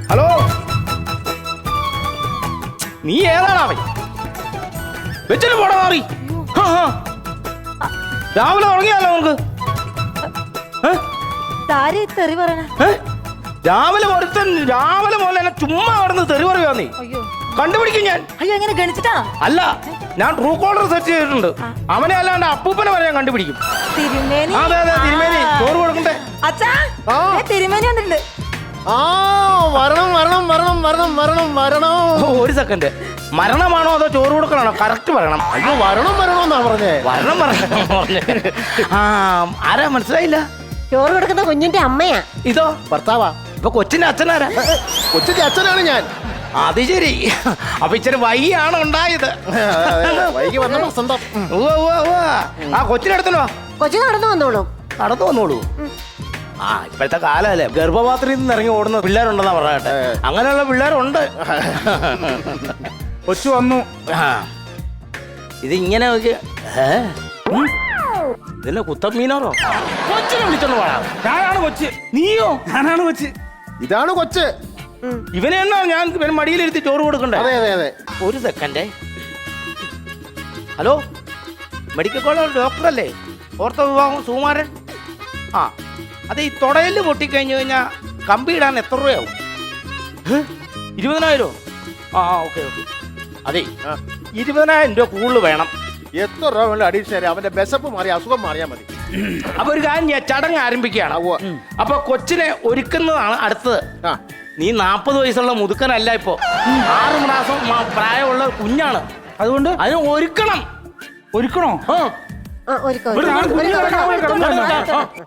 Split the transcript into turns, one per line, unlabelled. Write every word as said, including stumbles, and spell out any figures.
Hello, നീ ഏതാണാവേ? വെച്ചിട്ട് പോടാ മാറി. രാവിലെ തുടങ്ങിയാലോ നമുക്ക്?
തെറി പറയണ
രാവിലെ ഒരുത്തൻ രാവിലെ പോലെ എന്നെ ചുമ്മാ കിടന്ന് തെറി പറയുവാ. നീ കണ്ടുപിടിക്കും ഞാൻ.
അയ്യോ, എങ്ങനെ ഗണിച്ചിട്ടാ?
അല്ല, ഞാൻ ട്രൂ കോളർ സെർച്ച് ചെയ്തിട്ടുണ്ട്. അവനെ അല്ലാണ്ട് അപ്പൂപ്പനെ വരെ ഞാൻ കണ്ടുപിടിക്കും.
തിരുമേനി.
അതെ അതെ, തിരുമേനി ചോറ് കൊടുക്കണ്ടേ?
അച്ഛാ, തിരുമേനി വന്നിട്ടുണ്ട്.
ആ വരണം വരണം വരണം വരണം വരണം വരണം.
ഒരു സെക്കൻഡ്, മരണമാണോ അതോ ചോറ് കൊടുക്കണോ? കറക്റ്റ് പറയണം.
അയ്യോ, വരണം വരണമെന്നാ പറഞ്ഞേ.
വരണം പറഞ്ഞേ. ആ, ആരാ മനസ്സിലായില്ല?
ചോറ് കൊടുക്കുന്ന കുഞ്ഞിന്റെ അമ്മയാ.
ഇതോ
ഭർത്താവാ.
ഇപ്പൊ കൊച്ചിന്റെ അച്ഛനാരാ?
കൊച്ചിന്റെ അച്ഛനാണ് ഞാൻ.
അത് ശരി. അപ്പൊ ഇച്ചിരി വൈകിയാണ് ഉണ്ടായത്.
വൈകി വന്ന വസന്തം.
ആ കൊച്ചിനടുത്തല്ലോ.
കൊച്ചു നടന്നു വന്നോളൂ.
നടന്നു വന്നോളൂ. ആ, ഇപ്പോഴത്തെ കാലല്ലേ, ഗർഭപാത്രത്തിൽ നിന്ന് ഇറങ്ങി ഓടുന്ന പിള്ളേരുണ്ടെന്നാ പറയട്ടെ. അങ്ങനെയുള്ള പിള്ളേരുണ്ട്.
കൊച്ചു വന്നു.
ഇതിങ്ങനെ നോക്കി. ഇതിന്റെ കുത്തമ്മീനോറോ? കൊച്ചിനെ വിളിച്ചോണ്ട് പോടാ.
ഞാനാണ് കൊച്ച്.
നീയോ?
ഞാനാണ് കൊച്ച്.
ഇതാണ് കൊച്ച്.
ഇവനെ എന്നാ ഞാൻ മടിയിലിരുത്തി ചോറ് കൊടുക്കണ്ടേ?
അതെ അതെ അതെ.
ഒരു സെക്കൻഡേ. ഹലോ, മെഡിക്കൽ കോളേജ് ഡോക്ടറല്ലേ? ഓർത്തോ വിഭാഗം സുകുമാരൻ? ആ, അത് ഈ തുടയിൽ പൊട്ടിക്കഴിഞ്ഞു കഴിഞ്ഞാൽ കമ്പി ഇടാൻ എത്ര രൂപയാവും? ഇരുപതിനായിരോ? ആ ഓക്കെ ഓക്കെ. അതെ, ഇരുപതിനായിരം രൂപ കൂടുതൽ വേണം.
എത്ര രൂപ വേണ്ട അഡീഷണൽ? അവന്റെ ബെസപ്പ് മാറി അസുഖം മാറിയാൽ മതി.
അപ്പൊ ഒരു കാര്യം ചെയ്യാം, ചടങ്ങ് ആരംഭിക്കുകയാണ്. അപ്പൊ കൊച്ചിനെ ഒരുക്കുന്നതാണ് അടുത്തത്. നീ നാപ്പത് വയസ്സുള്ള മുതുക്കനല്ല, ഇപ്പോ ആറ് മാസം പ്രായമുള്ള കുഞ്ഞാണ്.
അതുകൊണ്ട്
അതിന് ഒരുക്കണം.
ഒരുക്കണോ?
ഒരുക്കോ.